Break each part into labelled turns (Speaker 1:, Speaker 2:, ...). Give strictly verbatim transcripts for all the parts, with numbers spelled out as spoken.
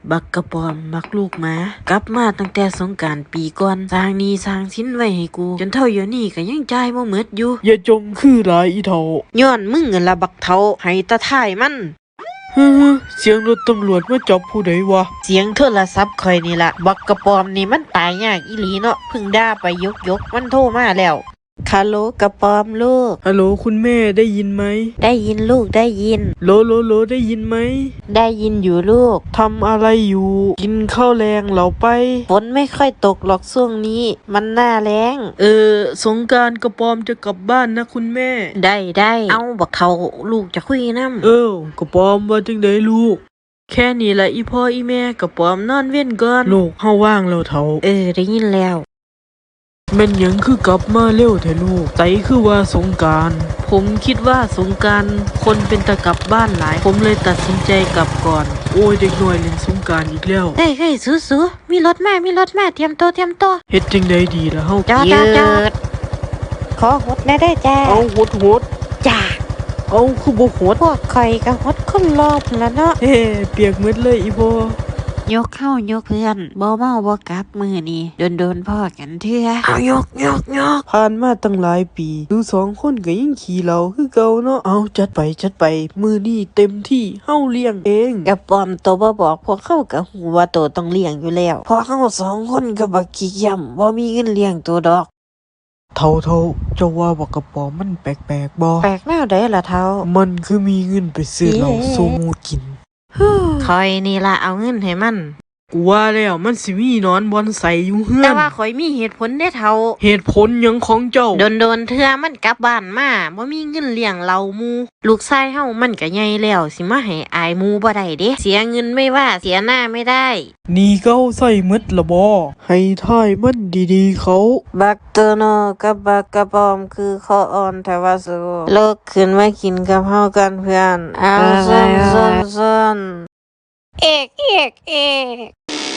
Speaker 1: บักกระปอมบักลูกหมากลับมาตั้งแต่สงกรานต์ปีก่อนสร้างหนี้สร้างสินไว้ให้กูจนเท่าเดี๋ยวนี้ก็ยังจ่ายบ่หมดอยู่
Speaker 2: อย่าจมคือหลายอีเฒ่า
Speaker 1: ย้อนมึงนั่นล่ะบักเฒ่าให้ตาท้ายมัน
Speaker 2: ฮึเสียงรถตำรวจมาจับผู้ใดวะ
Speaker 1: เสียงโทรศัพท์ข่อยนี่ล่ะบักกระปอมนี่มันตายยากอีหลีเนาะเพิ่งด่าไปยกยกมันโทรมาแล้วฮัลโหลกระปอมลูก
Speaker 2: ฮัลโหลคุณแม่ได้ยินไหม
Speaker 1: ได้ยินลูกได้ยิน
Speaker 2: โลโลโลได้ยินไหม
Speaker 1: ได้ยินอยู่ลูก
Speaker 2: ทำอะไรอยู่กินข้าวแรงเหราไป
Speaker 1: ฝนไม่ค่อยตกหรอกช่วงนี้มันหน้าแล้ง
Speaker 2: เออสงกรานต์กระปอมจะกลับบ้านนะคุณแม่
Speaker 1: ได้ได้เอาบักเฒ่าลูกจะคุยนำ
Speaker 2: เออกระปอมว่าจังได๋ลูกแค่นี้ละอีพ่ออีแม่กระปอมนอนเว้นก่อนลูกเฮาว่างแล้วเฒ่า
Speaker 1: เออได้ยินแล้ว
Speaker 2: แม่นหยังคือกลับมาเร็วแท้ลูกไตคือว่าสงกรานต์
Speaker 1: ผมคิดว่าสงกรานต์คนเป็นตะกลับบ้านหลายผมเลยตัดสินใจกลับก่อน
Speaker 2: โอ้ยเด็กน้อยเล่นสงกรานต์อีกแล้ว
Speaker 1: เฮ้ยเฮ้ยสู้ๆมีรถมามีรถมาเตรียมตัวเตรียมตัว
Speaker 2: เฮ็ดจังได๋ดีล่ะเฮา
Speaker 1: จอดจอดขอหดได้ได้จ้า
Speaker 2: เอาหดหด
Speaker 1: จ้า
Speaker 2: เอาคือบ่หด
Speaker 1: พวกข่อยก็หดคนรอบแล้วเนาะ
Speaker 2: เฮ้เปียกหมดเลยอีพ่
Speaker 1: อยกเข้ายกเพื่อนบ่เมาบ่กลับมือนี่โดนๆพ่อกันเถื่อ
Speaker 2: เอายกยกยกผ่านมาตั้งหลายปีดูสองคนก็ยังขี่เราคือเก่าเนาะเอาจัดไปจัดไปมือนี่เต็มที่เฮาเลี้ยงเอง
Speaker 1: กระปอมโตบ่บอกพวกเขาก็ฮู้ว่าโตต้องเลี้ยงอยู่แล้วพอเฮาสองคนก็บักขี้ย่ำบ่มีเงินเลี้ยงตัวดอก
Speaker 2: เท่าเท่าเจ้าว่าบักกระป๋อมมันแปลกๆบ่
Speaker 1: แปลกแนวใดล่ะเท่า
Speaker 2: มันคือมีเงินไปซื้อเหล้าโซมูกิน
Speaker 1: คอยนี่ล่ะเอาเงินให้มัน
Speaker 2: กูว่าแล้วมันสิมีนอนบอนใส่อยู่เฮือน
Speaker 1: แต่ว่าข่อยมีเหตุผลได้เท่า
Speaker 2: เหตุผลหยังของเจ้า
Speaker 1: โดนๆเทื่อมันกลับบ้านมาบ่มีเงินเลี้ยงเหล้าหมู่ลูกชายเฮามันก็ใหญ่แล้วสิมาให้อายหมู่บ่ได้เด้เสียเงินไม่ว่าเสียหน้าไม่ได้
Speaker 2: นี่เก้าใส่หมดละบ่ให้ทายมันดีๆเขา
Speaker 1: บักโตโนกับบักกระปอมคือคออ่อนแท้ว่าสู้เลิกขึ้นมากินกับเฮากันเพื่อนเอาซ่อนๆๆเอกเอกเอก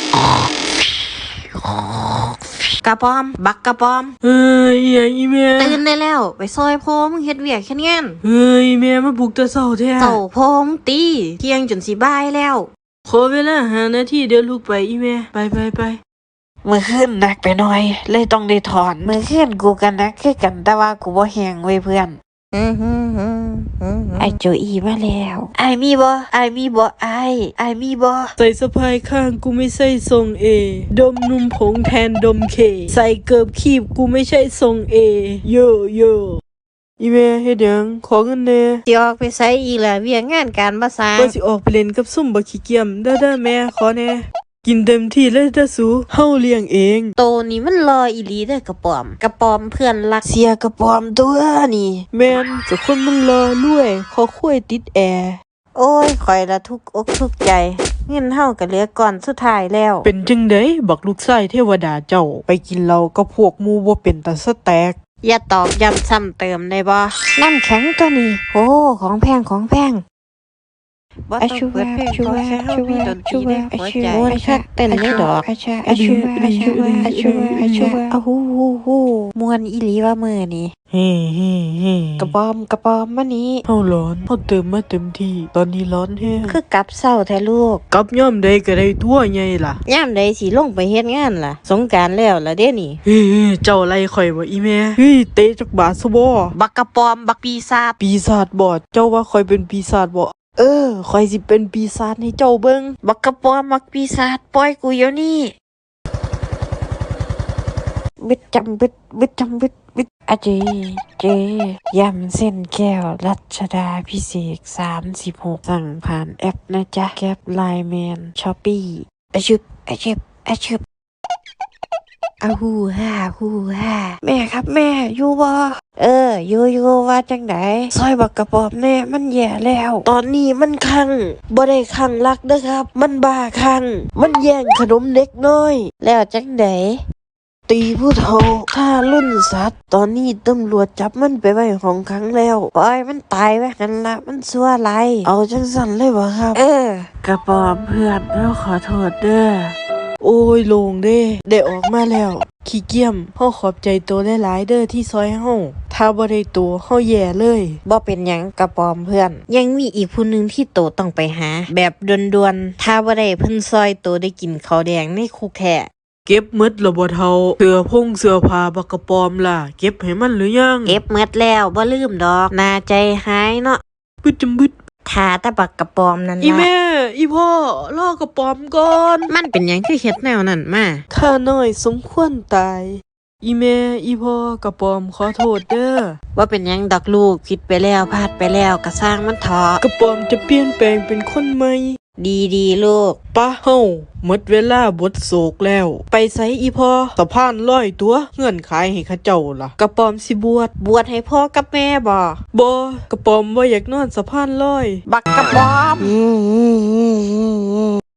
Speaker 1: กระปอมบักกระปอม
Speaker 2: เฮ้ยอีแม่
Speaker 1: ตื่นได้แล้วไปซอยพ่อมึงเฮ็ดเวียกแค่นี้
Speaker 2: เฮ้ยแม่มาปลุกแต่เช้าแท้
Speaker 1: เช้าพ่อมึงตีเที่ยงจนสิบ่ายแล้ว
Speaker 2: ขอเวลาห้านาทีเดี๋ยวลุกไปอีแม่ไปไปไป
Speaker 1: มื้อคืนหนักไปหน่อยเลยต้องได้ถอนมื้อคืนกูกันนักคือกันแต่ว่ากูบ่แฮงเว้ยเพื่อนไอโจอีมาแล้วไอมีบ่ไอมีบ่ไอไอมีบ่
Speaker 2: ใส่สะพายข้างกูไม่ใช่ทรงเอดมนุ่มผงแทนดมเคใส่เกิบคีบกูไม่ใช่ทรงเอโยโยอีแม่เฮ็ดหยังขอเงินแน่
Speaker 1: สิออกไปไสอีกล่ะเวียกงานการบ่สร้าง
Speaker 2: ว่าสิออกไปเล่นกับซุ่มบักขี้เกียจเด้อๆแม่ขอแน่กินเต็มที่เลยเด้อสูเฮาเลี้ยงเอง
Speaker 1: โตนี่มันรออีหลีเด้อกระปอมกระปอมเพื่อนรักเสียกระปอมตัวนี่
Speaker 2: แม่นก็คนมันรอรวยขอคุยติดแอร์
Speaker 1: โอ้ยข่อยละทุกอกทุกใจเงินเฮาก็เหลือก่อนสุดท้ายแล้ว
Speaker 2: เป็นจังได๋บักลูกชายเทวดาเจ้าไปกินเหล้ากับพวกหมู่บ่เป็นตาสแตก
Speaker 1: อย่าตอกย้ำซ้ำเติมได้บ่น้ำแข็งตัวนี้โอ้ของแพงของแพง
Speaker 3: อาชูวาชูวาชูวาชูวาอาชูวา
Speaker 1: ชักเต้นเลยดอก
Speaker 3: อาชาอาชูวาอาชูวาอาชูวาอาชูวา
Speaker 1: อ้ฮูฮูฮูมวนอีหลีว่ามื้อนี้
Speaker 2: เฮ้เฮ้เฮ้
Speaker 1: กระปอมกระปอมมานี้
Speaker 2: เฮาร้อนเฮาเติมมาเต็มที่ตอนนี้ร้อนแฮง
Speaker 1: คือกลับเช้าแท้ลูก
Speaker 2: กลับยามใดก็ได้ทั่วใหญ่ล่ะ
Speaker 1: ยามใดสิลงไปเฮ็ดงานล่ะสงกรานต์แล้วล่ะเด้นี่
Speaker 2: เฮ้เจ้าไล่ข่อยบ่อีแม่เฮ้ยเตะจักบาทซะบ่
Speaker 1: บักกระปอมบักปีศาจ
Speaker 2: ปีศาจบ่เจ้าว่าข่อยเป็นปีศาจบ่เออข่อยสิเป็นปีศาจให้เจ้าเบิ่ง
Speaker 1: บักกระปอมบักปีศาจปล่อยกูเดี๋ยวนี้
Speaker 3: บิดจำบิดบิดจำบิดบิดอาเจเจยำเส้นแก้วรัชดาพิเศษสามสิบหกสั่งผ่านแอปนะจ๊ะแก๊ปไลน์แมนช้อปปี้อาชึบอาชึบอาชึบอาฮูฮ่าฮูฮ่าแม่ครับแม่อยู่บ่
Speaker 1: เอออยู่อยู่ว่าจังได๋
Speaker 3: ซอยบักกระปอมแน่มันแย่แล้ว
Speaker 1: ตอนนี้มันคังบ่ได้คังรักเด้อครับมันบ้าคังมันแย่งขนมเด็กน้อยแล้วจังได๋
Speaker 3: ตีผู้เฒ่าฆ่ารุ่นสัตว์ตอนนี้ตำรวจจับมันไปไว้ห้องขังแล้ว
Speaker 1: ปล่อยมันตายไว้หั่นล่ะมันชั่วหลาย
Speaker 3: เอาจังซั่นเลยบ่ครับ
Speaker 1: เออกระปอมเพื่อนเราขอโทษเด้อ
Speaker 2: โอ้ยโล่งเด้ได้ออกมาแล้วขี้เกียจเฮาขอบใจตัวหลายๆเด้อที่ซอยเฮาถ้าบ่ได้ตัวเฮาแย่เลย
Speaker 1: บ่เป็นหยังกระปอมเพื่อน ยังมีอีกผู้หนึงที่โตต้องไปหา แบบด่วนๆถ้าบ่ได้เพิ่นซอยโตได้กินข้าวแดงในคุกแท้
Speaker 2: เก็บหมดแล้วบ่เฒ่าเสื้อพงเสื้อผ้าบักกระปอมล่ะเก็บให้มันหรือยัง
Speaker 1: เก็บหมดแล้วบ่ลืมดอกน่าใจหายเนาะ
Speaker 2: บึดจำบึด
Speaker 1: ถ้าแต่บักกระปอมนั่น
Speaker 2: อี
Speaker 1: ล่ะ
Speaker 2: แม่อีพ่อรอกระปอมก่อน
Speaker 1: มันเป็นหยังคือเฮ็ดแนวนั้นมา
Speaker 2: ข้าน้อยสมควรตายอีแม่อีพ่อกระปอมขอโทษเด้อ
Speaker 1: ว่าเป็นหยังดอกลูกผิดไปแล้วพลาดไปแล้วก็สร้างมันเถอะ
Speaker 2: กระปอมจะเปลี่ยนแปลงเป็นคนใหม่
Speaker 1: ดีดีๆลูก
Speaker 2: ปะเฮาหมดเวลาบทโศกแล้ว ไปไสอีพ่อสะพานลอยตัวเงื่อนขายให้เข้าเจ้าล่ะกระปอมสิบวช
Speaker 1: บวชให้พ่อกับแม่บ่
Speaker 2: บ่กระปอมบ่อยากนอนสะพานลอย
Speaker 1: บักกระปอม